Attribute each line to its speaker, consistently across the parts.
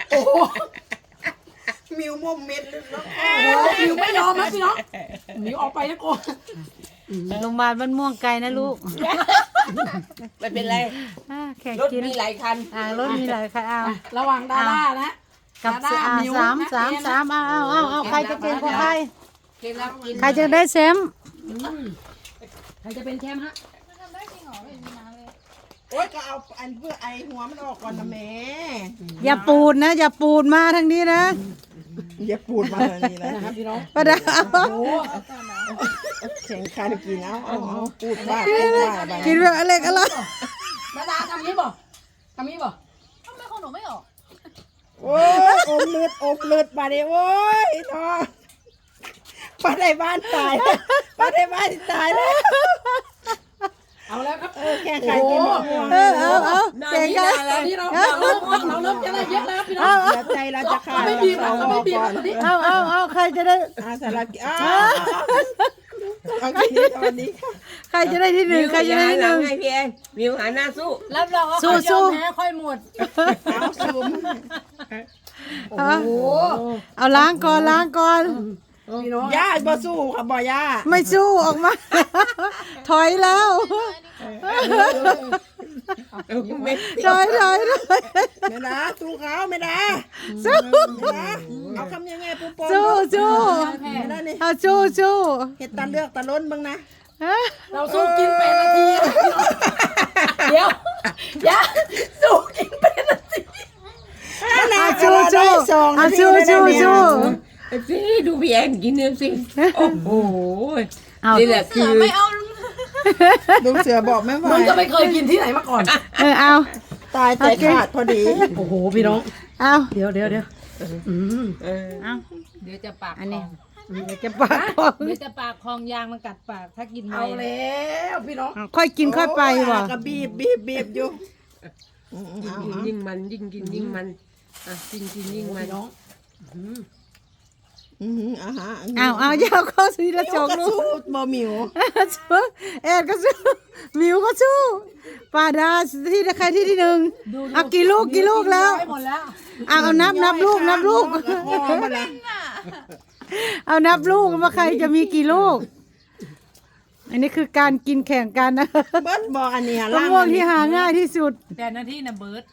Speaker 1: โอ้โห
Speaker 2: มิวมุมเม็ดเลยเนาะ
Speaker 1: โอ้โหมิวไม่ยอมนะพี่น้องมิวออกไปนะโก
Speaker 3: โรงพยาบาลบ้านม่วงไกลนะลูก
Speaker 2: ไม่เป็นไร
Speaker 3: แข่ง
Speaker 2: รถ
Speaker 3: กิน
Speaker 2: มีหลายคัน
Speaker 3: รถมีหลายคันเอา
Speaker 1: ระหว่างดาด้านะ
Speaker 3: กับ
Speaker 1: ดาด้ามิว
Speaker 3: สาม
Speaker 1: นะ
Speaker 3: เอาใครจะเป็นของใคร
Speaker 2: กินแล้วกิน
Speaker 3: ใครจะได้แชมป์
Speaker 1: ใครจะเป็นแชมป์ฮะ
Speaker 2: โอ๊ยก็เอาอันเพื่อไอหัวมันออกก่อนนะแม่
Speaker 3: อย่าปูดนะอย่าปูดมาทางนี้นะ
Speaker 2: อย่าปูดมาเลยนี่นะ
Speaker 1: นะครับพี่น้อง
Speaker 3: ประดา
Speaker 1: โอ้โห
Speaker 2: แข่งขันกินเอาปูดบ้าปูดบ้าไป
Speaker 3: กินแบบอะไรกันล่ะ
Speaker 1: ดาด้าทำนี้บ่ทำนี้บ่
Speaker 4: ทำไมของหนูไม่ออก
Speaker 2: โอ้ยอมเลือดมาดิโอ้ยทอป้าได้บ้านตายป้าได้บ้านตายแล้ว
Speaker 1: เอาแล้วครับ
Speaker 2: แข่งขันกินมะม่วง
Speaker 3: เอาเก่งกัน
Speaker 1: ตอนนี้เราเริ่มจะได้เยอะแล้วพี่น้อง
Speaker 2: เดี๋ยวใจเราจะขาด
Speaker 1: ไม่บีบเราไม่บีบตอนนี้
Speaker 3: เอาใครจะได้
Speaker 2: สารกิเอากินตอนนี้ค่ะ
Speaker 3: ใครจะได้ที่หนึ่งใครจะได้ที่หนึ่ง
Speaker 2: ให้พี่เองมิวหาหน้าสู้
Speaker 1: รับรองว่า
Speaker 3: สู้
Speaker 1: ใครยอมแพ้ค่อยหมด
Speaker 2: เอาซูม
Speaker 1: โอ้โห
Speaker 3: เอาล้างก่อน
Speaker 1: พี่น้อง
Speaker 2: ย่าบ่สู้ค่ะบ่ย่า
Speaker 3: ไม่สู้ออกมา ถอยแล้ว
Speaker 2: ไม่
Speaker 3: ถอย
Speaker 2: ไม่นะสู้เขาไม่นะ
Speaker 3: สู้
Speaker 2: ไม่นะเอาคำยังไงปุ๊บปุ๊บ
Speaker 3: สู้
Speaker 2: ไม่ได้นี่
Speaker 3: เอาสู้
Speaker 2: เห็ดตาเลือกตาล้นบ้างนะ
Speaker 1: เราสู้กิน8 นาทีเดี๋ยวอย่าสู้กิน8 นาที
Speaker 3: สู้
Speaker 2: สิดูพี่แอนกินเนี่ยสิโอ้โห
Speaker 3: เอา
Speaker 2: นี่แหละ
Speaker 4: เสื
Speaker 2: คือ
Speaker 4: อไม่เอา
Speaker 2: ลุงเสือบอกไม่ไหว
Speaker 1: มึงก็ไม่เคยกินที่ไหนมาก่อน
Speaker 3: เอา
Speaker 2: ตายใจขาดพอดี
Speaker 1: โอ้โหพี่น้อง
Speaker 3: เอา
Speaker 1: เดี๋ยว
Speaker 3: เอา
Speaker 4: เดี๋ยวจะปาก
Speaker 3: อัน
Speaker 4: ค
Speaker 3: นี้
Speaker 4: อง
Speaker 3: เดี๋ยวจะปากคอง
Speaker 4: เดี๋ยวจะปากคองยางมันกัดปากถ้ากินไป
Speaker 1: เอาแล้วพี่น้อง
Speaker 3: ค่อยกินค่อยไปว่ะ
Speaker 2: ก็บีบอยู่
Speaker 5: ยิ่งมันยิ่งกินยิ่งมันอ่ะยิ่งกินยิ่งมัน
Speaker 1: พี่น้อง
Speaker 3: เอาอย่าเอาเข้าสีละจกลูก
Speaker 2: สู้บ่มิว
Speaker 3: แอนก็สู้มิวก็สู้ปาดาที่ใครที่หนึ่งเอากี่ลูกแล้ว
Speaker 1: ให้หมดแล้ว
Speaker 3: เอานับลูก เอานับลูกว่าใครจะมีกี่ลูก อันนี้คือการกินแข่งกันนะ
Speaker 2: เบิร์ดบอกอันนี้
Speaker 3: มะม่วงที่หาง่ายที่สุด
Speaker 4: 8 นาทีนะเบิร์ด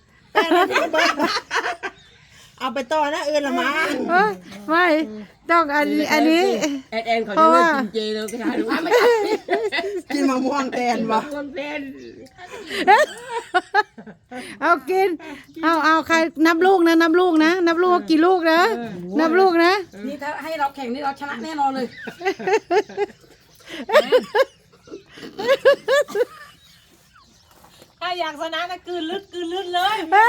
Speaker 2: เอาไปต่อนะละมา
Speaker 3: ไม่ต้องอันนี้
Speaker 5: แอนเขาจะเลิกกินเจแล้วก็ทานรู้
Speaker 2: กินมะม่วงแทนวะ
Speaker 5: คนเป็น
Speaker 3: เอากินเอาใครนับลูกนับลูกว่ากี่ลูกนะนับลูกนะ
Speaker 1: นี่ถ้าให้เราแข่งนี่เราชนะแน่นอนเลย
Speaker 4: ถ้าอยากชนะนะกลืนลึกเลย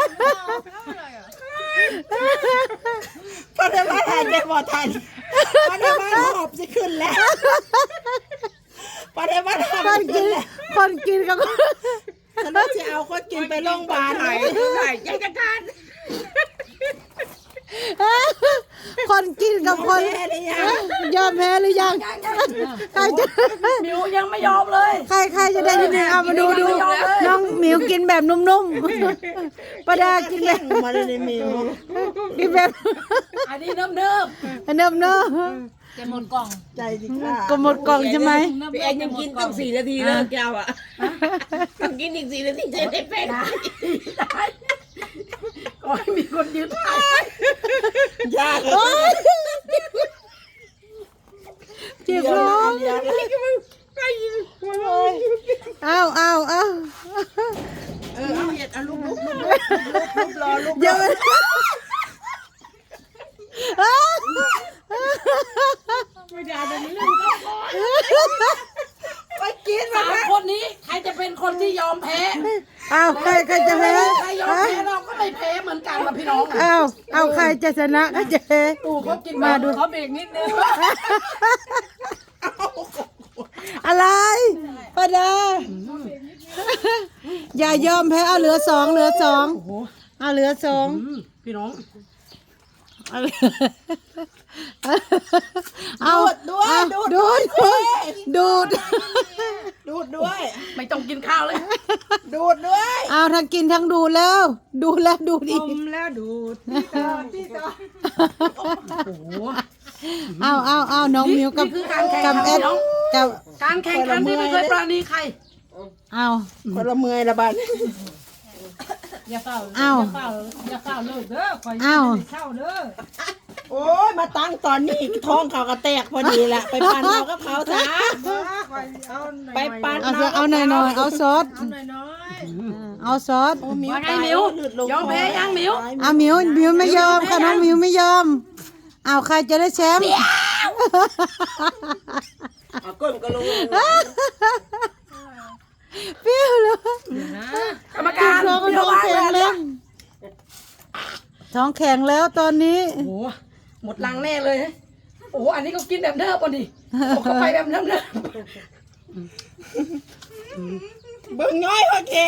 Speaker 2: พอได้มาทานได้บ่ทันพอได้มาหอบจะขึ้นแล้วพอได้มาทำ
Speaker 3: คนกินคนกินกับ
Speaker 2: ฉันว่าจะเอาคนกินไปโรงพยาบาล
Speaker 5: ไหนใจจะขาด
Speaker 3: คนกินกับคน
Speaker 2: แม่ได้ยัง
Speaker 3: ยอมแพ้หรือยังใครจะ
Speaker 1: มิวยังไม่ยอมเลย
Speaker 3: ใครจะได้ที่หนึ่งเอามาดูน้องหมิวกินแบบนุ่มๆประดากินแบบ
Speaker 2: มาเลยมิว
Speaker 3: กินแบบ
Speaker 1: อันนี้เนิบ
Speaker 3: เนิ่ม
Speaker 4: จะหมดกล่อง
Speaker 2: ใจสิค่ะ
Speaker 3: ก็หมดกล่องใช่ไหม
Speaker 5: พี่แอนยังกินต้อง4 นาทีเลิกแก้วอ่ะต้องกินอีก4 นาทีจะได้เป็น
Speaker 1: ๆก็ให้มีคนยืนถ่าย
Speaker 2: ยากเลย
Speaker 3: เจ็บร้อง เอา
Speaker 2: เอาเห็ดเอาลูกรอลูก
Speaker 3: เดี๋ยวมัน
Speaker 5: ไม่ได้เป็นเรื่องก็พอ
Speaker 2: ไปกินมา
Speaker 1: 3 คนนี้ใครจะเป็นคนที่ยอมแพ้
Speaker 3: เอาใครจะแพ้
Speaker 1: ใครยอมแพ้เราก็ไม่แพ้เหมือนกันนะพี่น้อง
Speaker 3: เอาใครจะชนะก็จะแพ้
Speaker 1: ตู่เขากิน
Speaker 3: มาดู
Speaker 1: เขาเบรกนิดนึง
Speaker 3: อะไรประดาอย่ายอมแพ้เอาเหลือ 2เอาเหลือ 2
Speaker 1: พี่น้อง
Speaker 3: เอา
Speaker 2: ด้วย
Speaker 3: เอา
Speaker 2: ดูด
Speaker 3: ดูด ดูด
Speaker 2: ดูดด้วย
Speaker 1: ไม่ต้องกินข้าวเลย
Speaker 2: ดูดด้วย
Speaker 3: เอาทั้งกินทั้งดูดแล้ว ดูดแล้วดูดอีก
Speaker 2: แล้วดูดพี่ต่อพี่ต่อ
Speaker 1: โอ้โห
Speaker 3: เอาน้องมิวกับ
Speaker 1: นี่คือการแข่ง
Speaker 3: กับ
Speaker 1: ขัน
Speaker 3: เอ็ด
Speaker 1: น้อง
Speaker 3: กับ
Speaker 1: การแข่งขันที่ไม่เคยปราณีใคร
Speaker 3: เอา
Speaker 2: คนละเมื่อยละบาด
Speaker 4: อย่าเฝ้า
Speaker 3: อ้าว
Speaker 4: อย่าเฝ้าเลิกเด้อคอย
Speaker 3: อ้าว
Speaker 4: เช่าเด้อ
Speaker 2: โอ้ยมาตั้งตอนนี้ท้องเขาก็แตกพอดีแหละไปปั่นเอากับเขาซะไปปั่น
Speaker 3: เอาหน่อยเอาซอสเอาซอส
Speaker 2: มิว
Speaker 1: ว่าไงมิว ยอมแพ้ยังมิว
Speaker 3: เอามิวไม่ยอมค่ะน้องมิวไม่ยอมเอาใครจะได้แชมป์
Speaker 5: เอาก้นก็ลง
Speaker 3: เปรี้ยวเลย
Speaker 1: กรรมการ
Speaker 3: ท้อง
Speaker 1: เดี๋ยว
Speaker 3: แข็งแล้วท้องแข็งแล้วตอนนี้
Speaker 1: โอ้โหหมดลังแน่เลยโอ้โหอันนี้ก็กินแบบเดิมป่ะดิโอ้เขาไปแบบเดิม
Speaker 2: เบิ่งย้อยโอเค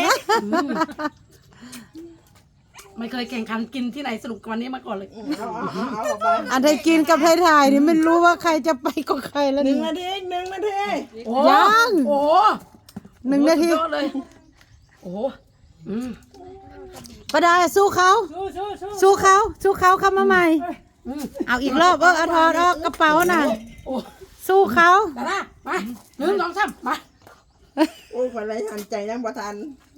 Speaker 1: ไม่เคยแข่งขันกินที่ไหนสนุกกว่านี้มาก่อนเลย
Speaker 2: เอาออกไป
Speaker 3: อันใดกินกับไทยถ่ายนี่ไม่รู้ว่าใครจะไปก็ใครแล้ว
Speaker 2: หนึ่
Speaker 3: นี่
Speaker 2: งนาทีหนึ่งนาที
Speaker 1: โอ้
Speaker 3: ยัง
Speaker 1: โอ้โห
Speaker 3: 1 นาที
Speaker 1: สุดยอดเลยโอ้โหอืม
Speaker 3: ประดาสู้เขา สู้เขาเข้ามาใหม่
Speaker 1: อืม
Speaker 3: เอาอีกรอบเอาถอดออกกระเป๋าน่ะ
Speaker 1: โอ้
Speaker 3: สู้เขา
Speaker 1: ดารามา1 2 3มา
Speaker 2: โอ้ยคนไรหันใจนั่งประทัน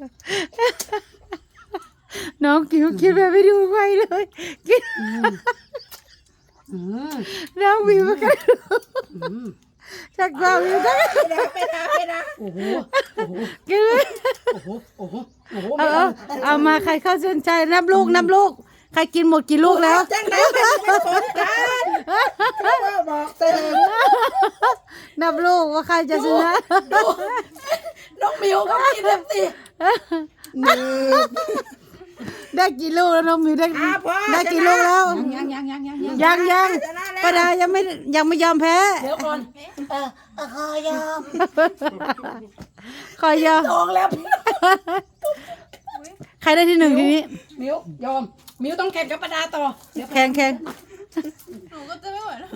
Speaker 3: น้องกิวคิดแบบไม่ดูใครเลยกิน
Speaker 1: อืม
Speaker 3: น้องวิวกัน
Speaker 1: อืม
Speaker 3: จากเราวิวกัน
Speaker 2: ไปนะ
Speaker 1: โอ้โหโอ้โห
Speaker 3: กินเลย
Speaker 1: โอ้โหโอ้โหโอ้โห
Speaker 3: เอามาใครเข้าเส้นใจนับลูกใครกินหมดกี่ลูกแล้ว
Speaker 2: จังได้เป็นผลกันบอกเติม
Speaker 3: นับลูกว่าใครจะชนะ
Speaker 1: น้องมิวก็กินเต็มที่
Speaker 2: หนึ่ง
Speaker 3: ได้กี่ลูกแล้วน้องมิวได้
Speaker 2: พ่อ
Speaker 3: ได้กี่ลูกแล้ว ยังป้าดายังไม่ยอมแพ้
Speaker 1: เดี๋ยวก่อน
Speaker 3: ขอยอม
Speaker 1: ลองแล้ว
Speaker 3: ใครได้ที่ 1ทีนี้
Speaker 1: มิวยอมมิวต้องแข่งกับประดาต่อเดี๋ยว
Speaker 3: แข่ง
Speaker 4: หนูก็จะไม่ไหวแล้ว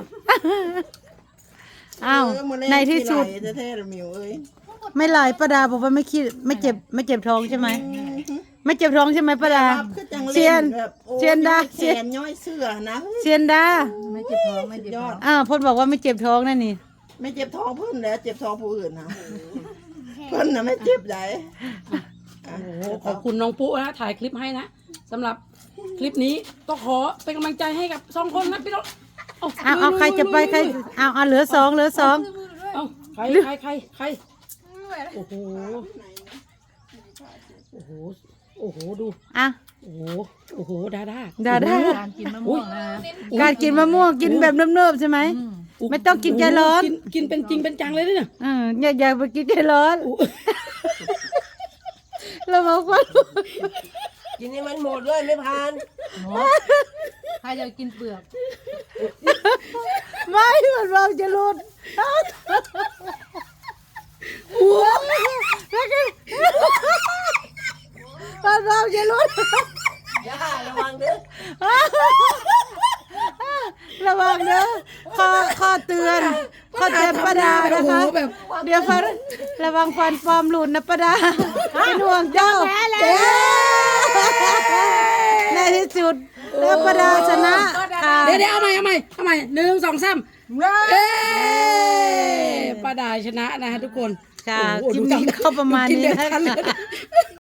Speaker 3: อ้าวในที่สุด
Speaker 2: เท่ๆมิวเอ้ย
Speaker 3: ไม่ไหลป้าดาบอกว่าไม่คิดไม่เจ็บท้องใช่ไหมไม่เจ็บท้องใช่ไหมป้าดา
Speaker 2: คือจัง
Speaker 3: เชียน เชียนดา
Speaker 2: แขนย้อยเสื้อนะ
Speaker 3: เซียนดา
Speaker 4: ไม่เจ็บท้องไม่เจ็บ
Speaker 2: ย
Speaker 4: ท้
Speaker 2: อ
Speaker 4: อ
Speaker 2: ด
Speaker 4: ง
Speaker 3: พจน์บอกว่าไม่เจ็บท้องนั่นนี่
Speaker 2: ไม่เจ็บท้องเพิ่นแล้วเจ็บท้องผู้อื่นนะเพิ่นน่ะไม่เจ็บใด
Speaker 1: โอ้โหขอบคุณน้องปุ๊นะถ่ายคลิปให้นะสำหรับคลิปนี้ก็ขอเป็นกำลังใจให้กับ2 คนนะพี่น้อง
Speaker 3: เอาใครจะไปใครเอาเหลือสอง
Speaker 1: เอาใครโอ้โหโอ้โหโอ้โหดู
Speaker 3: อ่ะ
Speaker 1: โอ้โหโอ้โหดา
Speaker 4: การกินมะม่วงนะ
Speaker 3: การกินมะม่วงกินแบบเนิบๆใช่ไหม ไม่ต้องกินใจร้อน
Speaker 1: กินเป็นจริงเป็นจังเลยเนี่ย
Speaker 3: อย่าไปกินใจร้อนเราบอกว่า
Speaker 5: กินให้มันหมดด้วยไม่พาน
Speaker 4: ใครจะกินเปลือก
Speaker 3: ไม่มันเราจะหลุดมันเราจะหลุด
Speaker 5: ย่าระวังเด้อ
Speaker 3: ระวังเด้อข้อเตือนป้าดานะคะ
Speaker 1: แบบ
Speaker 3: เดี๋ยวฟันระวังฟันปลอมหลุดนะป้าดาเป็นห่วงเจ้าในที่สุดแล้วป้าดาชนะค่ะ
Speaker 1: เดี๋ยวเอาใหม่1 2 3เอ้ป้าดาชนะนะฮะทุกคน
Speaker 3: ค่ะ
Speaker 1: โอ้โห
Speaker 3: คลิปนี้ก็ประมาณนี้
Speaker 1: กินเด็ด
Speaker 3: นะ
Speaker 1: ทันเลย
Speaker 3: คะ